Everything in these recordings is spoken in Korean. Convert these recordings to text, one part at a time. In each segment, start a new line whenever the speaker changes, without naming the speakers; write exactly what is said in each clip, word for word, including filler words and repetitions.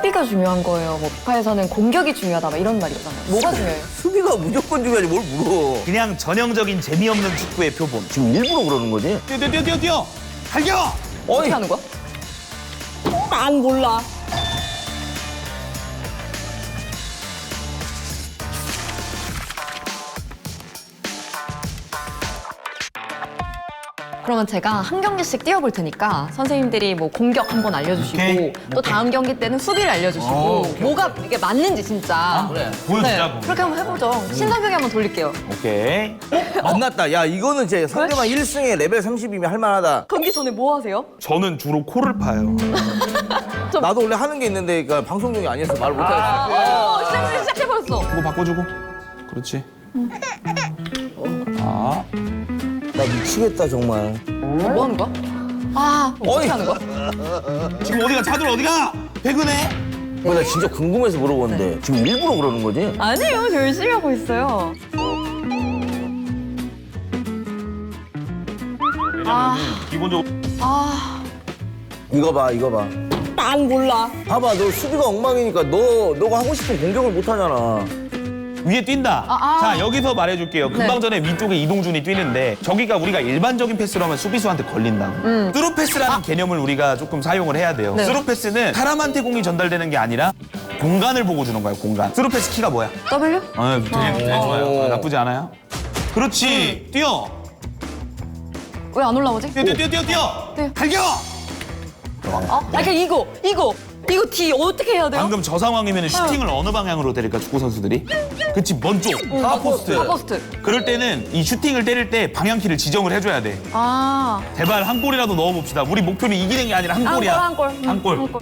수비가 중요한 거예요. 뭐 피파에서는 공격이 중요하다 막 이런 말이 있잖아요. 뭐가 중요해요?
수비가 무조건 중요하지 뭘 물어.
그냥 전형적인 재미없는 축구의 표본.
지금 일부러 그러는 거지?
뛰어 뛰어 뛰어 뛰어. 달려.
어떻게
어이.
하는 거야? 난 몰라. 그러면 제가 한 경기씩 뛰어볼 테니까 선생님들이 뭐 공격 한번 알려주시고
오케이.
또 다음 경기 때는 수비를 알려주시고
어, 오케이.
뭐가 이게 맞는지 진짜
그래.
보여주자고.
네, 그렇게 한번 해보죠. 신상벽이 한번 돌릴게요.
오케이.
만났다. 야 이거는 제 상대방 일 승에 레벨 삼십이면 할만하다.
경기 전에 뭐 하세요?
저는 주로 코를 파요.
나도 원래 하는 게 있는데 그러니까 방송 중이 아니어서 말 못하겠어.
어, 시작, 시작해버렸어.
이거 바꿔주고. 그렇지. 아.
나 미치겠다 정말.
뭐 하는 거야? 아, 어떻게
어이.
하는 거야?
지금 어디가 자들 어디가? 배그네.
어, 나 진짜 궁금해서 물어보는데 지금 일부러 그러는 거지?
아니에요, 저 열심히 하고 있어요.
아. 기본적으로.
아,
이거 봐 이거 봐.
난 몰라.
봐봐 너 수비가 엉망이니까 너 너가 하고 싶은 공격을 못 하잖아.
위에 뛴다.
아, 아.
자 여기서 말해줄게요. 금방
네.
전에 위쪽에 이동준이 뛰는데 저기가 우리가 일반적인 패스로 하면 수비수한테 걸린다. 음. 스루 패스라는 개념을 우리가 조금 사용을 해야 돼요.
네.
스루 패스는 사람한테 공이 전달되는 게 아니라 공간을 보고 주는 거예요. 공간. 스루 패스 키가 뭐야?
W?
아, 되게, 되게 좋아요.
오.
아, 나쁘지 않아요. 그렇지. 뛰어.
왜 안 올라오지?
뛰어 뛰어 뛰어 뛰어 뛰어.
뛰어.
달려.
아, 그러니까 이거, 이거, 이거 D 어떻게 해야 돼요?
방금 저 상황이면 슈팅을 어느 방향으로 때릴까 축구 선수들이? 그치 먼쪽 하포스트.
하포스트.
그럴 때는 이 슈팅을 때릴 때 방향키를 지정을 해줘야 돼.
아,
제발 한 골이라도 넣어봅시다. 우리 목표는 이기는 게 아니라 한
한 골,
골이야.
한 골. 음,
한 골.
한 골.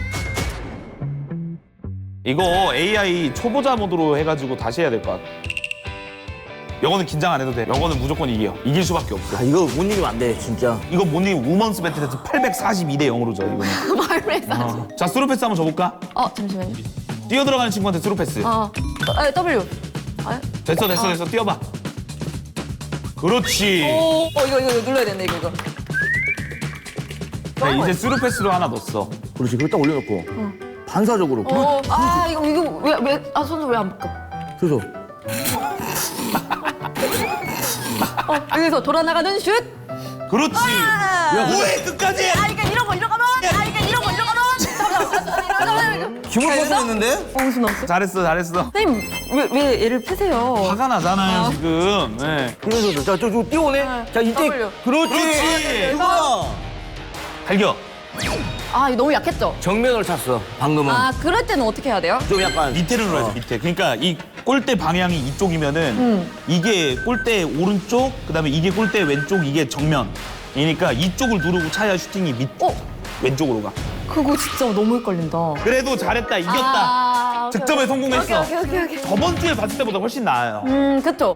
이거 에이아이 초보자 모드로 해가지고 다시 해야 될 것 같아. 영어는 긴장 안 해도 돼. 영어는 무조건 이겨. 이길 수밖에 없어.
아 이거 못 이기면 안 돼 진짜.
이거 못 이기면 우먼스 배틀에서 팔백사십이 대 영으로 져, 이거는.
말했어.
어. 자, 스루 패스 한번 줘볼까?
어, 잠시만요.
뛰어 들어가는 친구한테 스루 패스.
어, 아, W. 아,
됐어, 됐어, 됐어. 뛰어봐. 그렇지.
오, 어, 이거, 이거, 이거 눌러야 되는데, 이거, 이거.
자, 이제 스루 패스로 하나 넣었어.
그렇지 그걸 딱 올려놓고 반사적으로.
어, 아, 이거, 이거, 왜, 왜, 아, 손을 왜 안 묶어?
그래서
어, 여기서 돌아나가는 슛!
그렇지.
아,
오해 끝까지.
아, 그러니까 이런 거, 이런 거면! 아, 그러니까 이런 거, 이런 거면! 잠깐만,
기분 뻔뻔했는데?
어, 무슨 없어?
잘했어, 잘했어.
선생님, 왜, 왜 얘를 패세요?
화가 나잖아요,
아.
지금. 네.
그래서 자, 저, 저 뛰어오네. 자, 이때
W.
그렇지.
그렇지.
이거야.
달겨.
아, 이거 너무 약했죠?
정면을 찼어. 방금은
아, 그럴 때는 어떻게 해야 돼요?
좀 약간
밑에를 눌러야지,
어.
밑에. 그러니까 이 골대 방향이 이쪽이면은
음.
이게 골대 오른쪽, 그다음에 이게 골대 왼쪽, 이게 정면. 이니까 이쪽을 누르고 차야 슈팅이 밑
어?
왼쪽으로 가.
그거 진짜 너무 헷갈린다.
그래도 잘했다, 이겼다.
아, 오케이,
득점에
오케이.
성공했어.
오케이, 오케이, 오케이. 오케이.
저번 주에 봤을 때보다 훨씬 나아요.
음, 그쵸?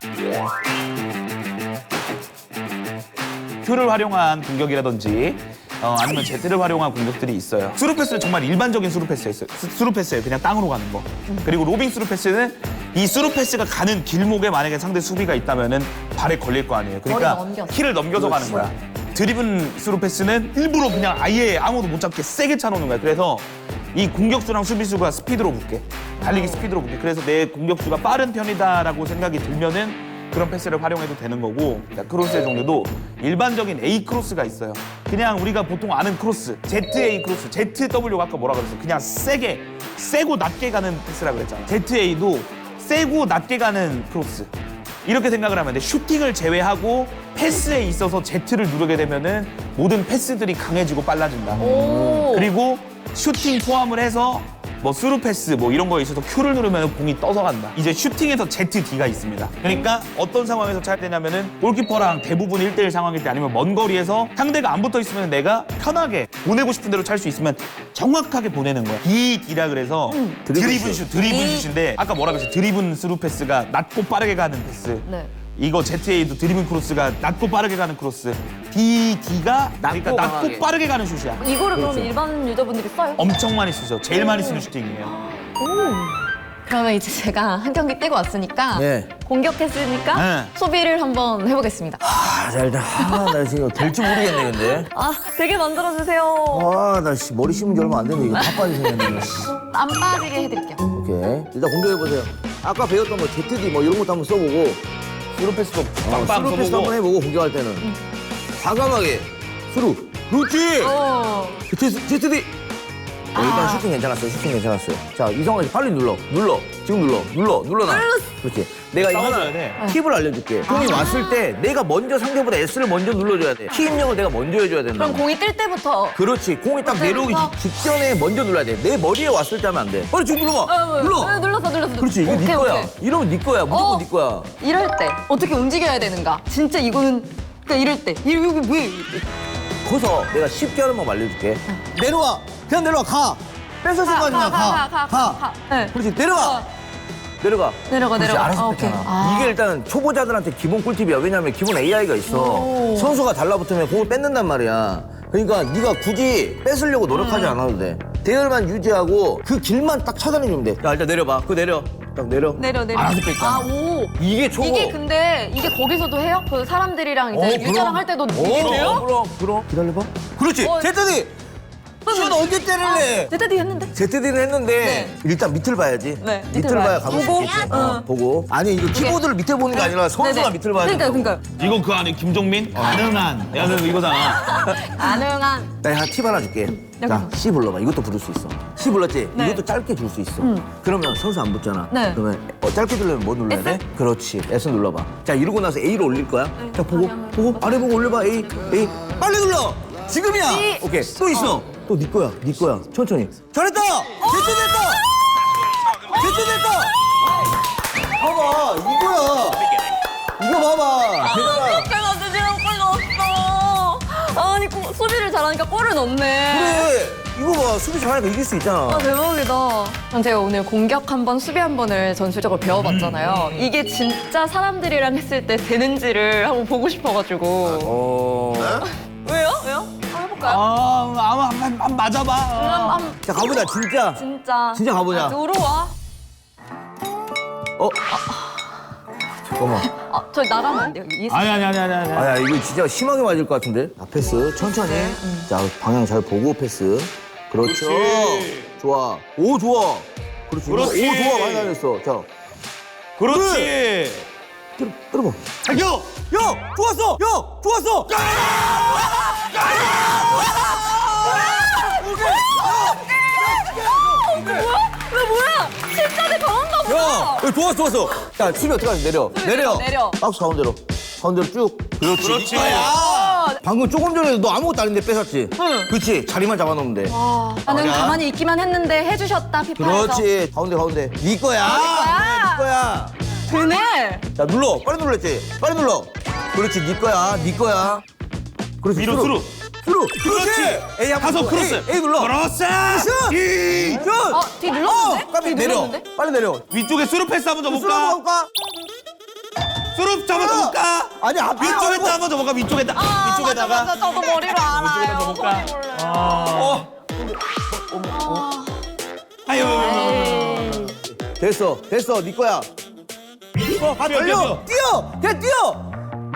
큐를 활용한 공격이라든지 어, 아니면 제트를 활용한 공격들이 있어요. 스루 패스는 정말 일반적인 스루 패스예요. 스- 스루 패스예요. 그냥 땅으로 가는 거. 그리고 로빙 스루 패스는 이 스루 패스가 가는 길목에 만약에 상대 수비가 있다면은 발에 걸릴 거 아니에요. 그러니까
머리 넘겨서.
키를 넘겨서 가는 거야. 드리븐 스루 패스는 일부러 그냥 아예 아무도 못 잡게 세게 차놓는 거야. 그래서 이 공격수랑 수비수가 스피드로 붙게, 달리기 스피드로 붙게. 그래서 내 공격수가 빠른 편이다라고 생각이 들면은 그런 패스를 활용해도 되는 거고, 크로스의 종류도 일반적인 A 크로스가 있어요. 그냥 우리가 보통 아는 크로스, 제트에이 크로스, 제트더블유가 아까 뭐라 그랬어? 그냥 세게, 세고 낮게 가는 패스라 그랬잖아. 제트에이도 세고 낮게 가는 크로스. 이렇게 생각을 하면 돼. 슈팅을 제외하고 패스에 있어서 제트를 누르게 되면은 모든 패스들이 강해지고 빨라진다.
오.
그리고 슈팅 포함을 해서 뭐 스루 패스 뭐 이런 거에 있어서 Q를 누르면 공이 떠서 간다. 이제 슈팅에서 제트 D가 있습니다. 그러니까 어떤 상황에서 차야 되냐면은 골키퍼랑 대부분 일 대일 상황일 때 아니면 먼 거리에서 상대가 안 붙어 있으면 내가 편하게 보내고 싶은 대로 찰 수 있으면 정확하게 보내는 거야. D, D라 그래서
드리븐
드리븐 슛, 드리븐 슛인데 아까 뭐라 그랬지? 드리븐 스루 패스가 낮고 빠르게 가는 패스.
네.
이거 제트에이도 드리븐 크로스가 낮고 빠르게 가는 크로스. D, D가 그러니까
낮고
낮고
강하게.
빠르게 가는 슛이야.
이거를 그러면 일반 유저분들이 써요?
엄청 많이 쓰죠. 제일 많이 쓰는 슈팅이에요.
그러면 이제 제가 한 경기 뛰고 왔으니까
네.
공격했으니까
네.
수비를 한번 해보겠습니다.
아, 자, 일단, 아, 나 지금 될지 모르겠네, 근데.
아, 되게 만들어주세요.
아, 나 씨, 머리 심은 지 얼마 안 됐는데, 이거 다 빠지 생겼네.
안 빠지게 해드릴게요.
오케이. 일단 공격해보세요. 아까 배웠던 뭐 제트디 뭐 이런 것도 한번 써보고,
스루 패스도
어,
빵빵
스루 패스
써보고.
한번 해보고, 공격할 때는. 과감하게. 스루. 그렇지!
어.
제트, 제트디! 어, 일단
아.
슈팅 괜찮았어요. 슈팅 괜찮았어요. 자, 이성아 씨 빨리 눌러. 눌러. 지금 눌러. 눌러. 눌러놔. 그렇지. 내가 이거 하나
싸워줘야 돼.
팁을 알려줄게. 공이 왔을 때 내가 먼저 상대보다 S를 먼저 눌러줘야 돼. 키 입력을 내가 먼저 해줘야 된다.
그럼 공이 뜰 때부터.
그렇지. 공이 딱 내려오기
그때부터?
직- 직전에 먼저 눌러야 돼. 내 머리에 왔을 때 하면 안 돼. 빨리 지금 눌러봐.
어,
눌러.
어, 눌렀어, 눌렀어.
그렇지. 이거
오케이,
네 거야.
오케이.
이러면 네 거야. 무조건
어.
네 거야.
이럴 때 어떻게 움직여야 되는가? 진짜 이거는 그러니까 이럴 때 이- 이거 왜?
커서 내가 쉽게 하는 법 알려줄게. 내려와. 그냥 내려와. 가. 뺏어준 거 아니야.
가, 가, 가, 가, 가. 네.
그렇지. 내려와.
어.
내려가.
내려가,
그렇지,
내려가.
알아서
아,
뺐잖아.
오케이. 아.
이게 일단 초보자들한테 기본 꿀팁이야. 왜냐면 기본 에이아이가 있어.
오.
선수가 달라붙으면 공을 뺏는단 말이야. 그러니까 네가 굳이 뺏으려고 노력하지
음.
않아도 돼. 대열만 유지하고 그 길만 딱 찾아내면 돼. 자, 일단 내려봐. 그거 내려. 딱 내려.
내려 내려.
알아서 뺐잖아.
아 오.
이게 초보.
이게 근데 이게 거기서도 해요? 그 사람들이랑 이제
어,
유저랑
그럼.
할 때도
어,
이게 돼요?
그럼, 그럼. 기다려봐. 그렇지.
어.
제트디. 시간 언제 때릴래?
제트디 했는데.
제트디를 했는데
네.
일단 밑을 봐야지.
네,
밑을
밑을
봐야
봐요.
가볼 수
보고?
있겠지.
어.
어, 보고. 아니 이거 키보드를 밑에 보는 게 아니라 선수가
네네.
밑을 봐야 돼.
그러니까 그러니까
이거 그 안에 김종민? 가능한. 야, 너 이거잖아.
가능한.
나 하나 팁 하나 줄게. 자,
여기서.
C 불러봐. 이것도 부를 수 있어. C 불렀지?
네.
이것도 짧게 줄 수 있어. 그러면 선수 안 붙잖아.
네.
그러면 어, 짧게 들려면 뭐 눌러야 돼? 그렇지. S 눌러봐. 자, 이러고 나서 A로 올릴 거야. 자, 보고,
방향을
보고, 아래 보고 올려봐. A, A. 빨리 눌러! 지금이야!
C.
오케이. 또 있어. 또 네 거야. 네 거야. 천천히. 잘했다! 제트 됐다! 제트 됐다! 봐봐. 이거야. 이거 봐봐. 대단하.
내가 드디어 골 넣었어. 아니 고- 수비를 잘하니까 골을 넣네.
그래. 이거 봐. 수비 잘하니까 이길 수 있잖아.
아 대박이다. 전 제가 오늘 공격 한 번, 수비 한 번을 전술적으로 배워봤잖아요. 이게 진짜 사람들이랑 했을 때 되는지를 한번 보고 싶어가지고.
어.
왜요? 왜요? 한번 해볼까요?
아, 아마 한, 한, 한 맞아봐.
한, 한,
자, 가보자. 진짜.
진짜.
진짜 가보자.
아, 들어와.
어? 잠깐만.
아, 저희 나가면 안 돼요. 이
아니, 아니, 아니, 아니, 아니.
아야, 이거 진짜 심하게 맞을 것 같은데? 아, 패스. 천천히. 자, 방향 잘 보고 패스. 그렇죠.
그렇지.
좋아. 오, 좋아. 그렇지.
그렇지.
오, 좋아. 많이 다녔어. 자,
그렇지.
때려, 때려봐.
야!
야! 좋았어! 야! 좋았어!
왜 뭐야? 실전에 강한가 보다.
야! 야, 좋았어, 좋았어. 자, 수비 어떻게 하지? 내려. 내려.
내려.
박스 가운데로. 가운데로 쭉. 그렇지.
그렇지.
이거야. 방금 조금 전에 너 아무것도 아닌데 뺏었지?
응.
그렇지. 자리만 잡아놓으면 돼.
아, 나는
맞아.
가만히 있기만 했는데 해주셨다, 피파에서.
그렇지. 가운데, 가운데. 네 거야.
거야.
네 거야.
되네.
자, 눌러. 빨리 눌렀지? 빨리 눌러. 그렇지, 네 거야. 네 거야. 그렇지,
위로,
수루. 수루.
그렇지.
에이, 한번
가서
눌러.
크로스.
에이, 에이 눌러.
크로스.
슛!
이.
슛!
어, 뒤 눌렀는데?
어, 깜빡이
뒤
내려.
눌렀는데?
빨리 내려.
위쪽에 수루 패스 한번
수루
줘볼까?
한번 볼까?
수루 잡아서 볼까?
아니, 앞에
위쪽에다
말고.
한번 줘볼까? 위쪽에다.
아,
위쪽에다가.
맞아, 맞아. 저도 머리로 알아요.
위쪽에다 줘볼까?
머리 몰라요.
어. 아유.
에이.
됐어, 됐어. 네 거야.
어,
아,
뛰어,
달려.
뛰어.
뛰어. 그냥 뛰어.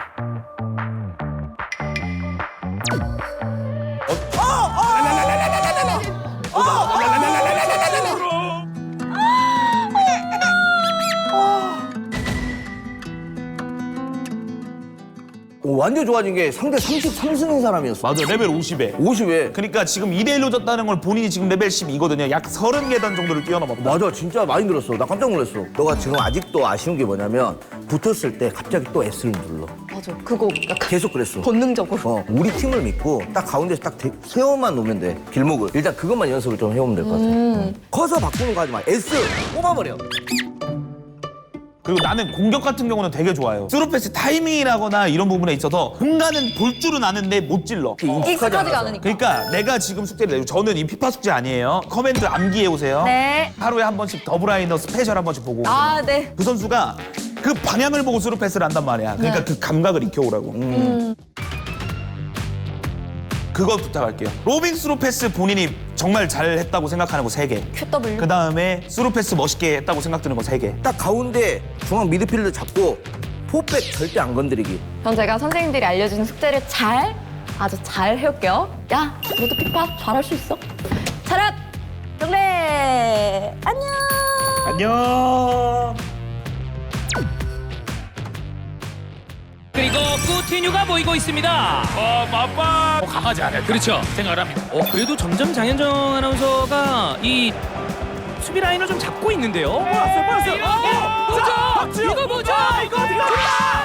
오, 완전 좋아진 게 상대 삼십삼 승인 사람이었어.
맞아, 레벨 오십에.
오십에.
그러니까 지금 이 대 일로 졌다는 걸 본인이 지금 레벨 십이거든요. 약 서른 계단 정도를 뛰어넘었다.
맞아, 진짜 많이 늘었어. 나 깜짝 놀랐어. 너가 지금 아직도 아쉬운 게 뭐냐면 붙었을 때 갑자기 또 S를 눌러.
맞아. 그거 약간
계속 그랬어.
본능적으로.
어, 우리 팀을 믿고 딱 가운데서 딱 대- 세워만 놓으면 돼. 길목을. 일단 그것만 연습을 좀 해오면 될 것 같아. 어. 커서 바꾸는 거 하지 마. S 뽑아버려.
그리고 나는 공격 같은 경우는 되게 좋아요. 스루패스 타이밍이라거나 이런 부분에 있어서 공간은 볼 줄은 아는데 못 찔러.
익숙하지가 않으니까.
그러니까 내가 지금 숙제를 내고 저는 이 피파 숙제 아니에요. 커맨드 암기해 오세요.
네.
하루에 한 번씩 더블라이너 스페셜 한 번씩 보고.
아, 네.
그 선수가 그 방향을 보고 스루패스를 한단 말이야. 그러니까
네.
그 감각을 익혀오라고. 그 그거 부탁할게요. 로빙 스루 패스 본인이 정말 잘했다고 생각하는 거 세 개.
큐더블유.
그 다음에 스루 패스 멋있게 했다고 생각드는 거 세 개.
딱 가운데 중앙 미드필더 잡고 포백 절대 안 건드리기.
전 제가 선생님들이 알려준 숙제를 잘, 아주 잘 해올게요. 야, 너도 피파 잘할 수 있어. 차렷! 경례! 안녕!
안녕.
그리고 꾸티뉴가 보이고 있습니다.
어, 맞바 어, 강하지 않아요.
그렇죠.
생각을 합니다.
어, 그래도 점점 장현정 아나운서가 이 수비 라인을 좀 잡고 있는데요.
어, 봤어요, 봤어요.
어, 뭐죠? 이거 뭐죠?
이거 어디 가?